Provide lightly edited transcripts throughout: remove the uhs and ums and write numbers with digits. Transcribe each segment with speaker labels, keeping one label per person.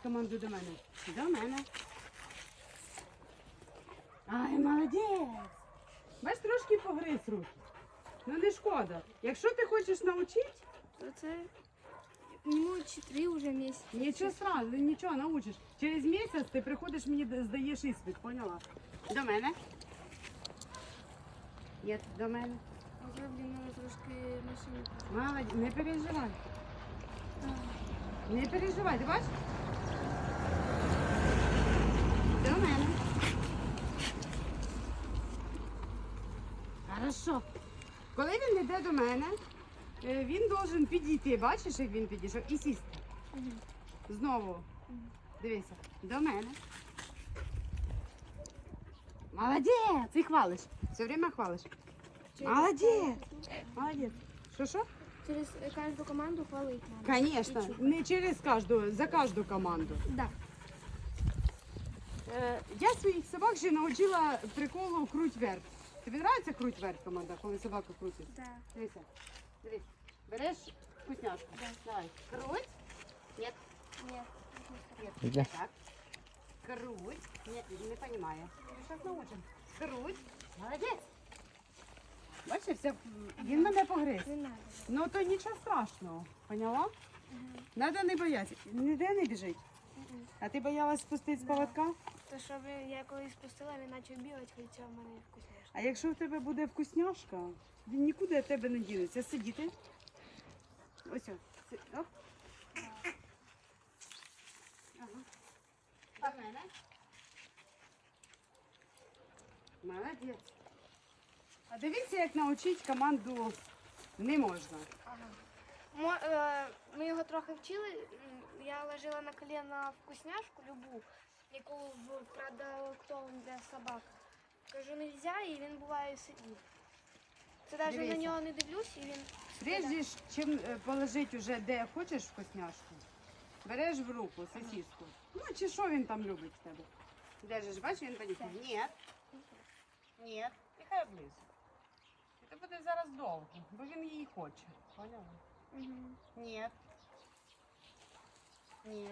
Speaker 1: команду до мене. До мене. Ай, молодець. Бач, трошки погриз руки. Ну не шкода. Якщо ти хочеш навчити,
Speaker 2: То це йому 4 вже місяці.
Speaker 1: нічого страшного, нічого навчиш. Через місяць ти приходиш мені, здаєш іспит, поняла? До мене. Є, до мене.
Speaker 2: А я, блін, трошки машину.
Speaker 1: Молодець, не переживай. Не переживай, ти бачиш? До мене. Хорошо. Коли він йде до мене, він должен підійти. Бачиш, як він підійшов? І сісти. Знову. Дивися. До мене. Молодець! І хвалиш. Все время хвалиш. Молодець! Молодець. Що?
Speaker 2: Через кожну команду хвалить надо.
Speaker 1: Конечно. Не через кожну, за кожну команду.
Speaker 2: Да.
Speaker 1: Я своїх собак вже навчила приколу круть вверх. Тобі подобається круть вверх команда, коли собака крутить?
Speaker 2: Да.
Speaker 1: Дивися. Дивись. Береш вкусняшку.
Speaker 2: Да.
Speaker 1: Давай. Круть. Нет.
Speaker 2: Нет.
Speaker 1: Нет.
Speaker 3: Где?
Speaker 1: Так. Круть. Нет, не понимаю. Сейчас научим. Круть. Молодець. Бачиш, він мене погриз.
Speaker 2: Не надо.
Speaker 1: Ну то нічого страшного. Поняла? Надо не боятися. Ніде не біжить. А ти боялась спустити з поводка?
Speaker 2: То щоб я коли спустила, він почав бігати, хоча в мене вкусняшка.
Speaker 1: А якщо в тебе буде вкусняшка, він нікуди від тебе не дінеться. Сидіти. Ось. Оп. Ага. До мене. Молодець. А дивіться, як навчити команду не можна.
Speaker 2: Ми його трохи вчили. Я ложила на коліна вкусняшку любу, яку в продуктовому для собак. Кажу, не можна, і він буває сидів. Це навіть
Speaker 1: Дивися.
Speaker 2: на нього не дивлюсь, і він
Speaker 1: Прежде чим положити вже де хочеш вкусняшку, береш в руку сосиску. Ну чи що він там любить в тебе? Держиш, бачиш, він понюхає. Ні. Ні. Нехай облизує. Це буде зараз довго, бо він її хоче. Поняла? Ні. Ні.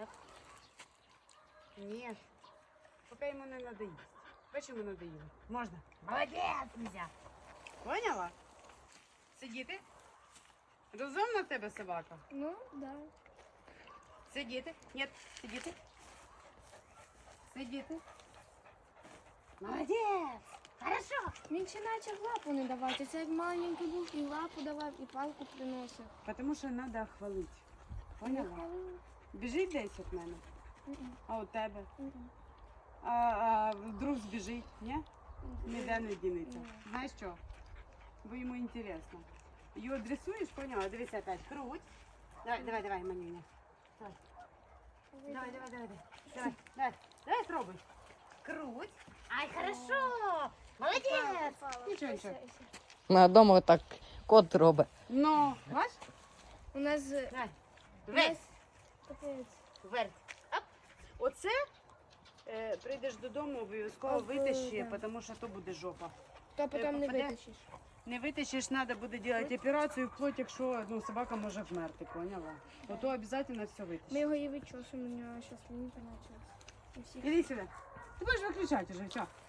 Speaker 1: Ні. Поки йому не надоїсть. Бачиш, йому надоїло. Можна. Молодець, нельзя. Поняла? Сидіти? Розумна в тебе собака?
Speaker 2: Ну, да.
Speaker 1: Сидіти? Ні, сидіти. Сидіти. Молодець! Хорошо!
Speaker 2: Він ще почав лапу не давати. Це як маленький був, і лапу давав, і палку приносив.
Speaker 1: Тому що треба хвалити. Поняла? Біжить десь від мене, а у тебе? А вдруг збіжить, ні? Ніде не дінеться. Знаєш що? Бо йому інтересно. Його дресуєш, поняла? Дивися опять. Круть. Давай, манюня. Давай, спробуй. Круть. Ай, хорошо. Молодець. Нічого.
Speaker 3: На дому так кот робить.
Speaker 1: Ну, бач?
Speaker 2: У нас
Speaker 1: Давай.
Speaker 2: Весь. Капець.
Speaker 1: Вверх. Оп. Оце прийдеш додому, обов'язково
Speaker 2: Об,
Speaker 1: витащи,
Speaker 2: да.
Speaker 1: тому що то буде жопа.
Speaker 2: То потім не
Speaker 1: попаде?
Speaker 2: витащиш.
Speaker 1: Не витащиш, треба буде робити операцію, вплоть, якщо собака може вмерти, поняла? То обов'язково все
Speaker 2: Ми
Speaker 1: витащиш.
Speaker 2: його і вичосимо, у нього зараз лінька почалась. У всіх.
Speaker 1: Іди сюди. Ти будеш виключати вже, що?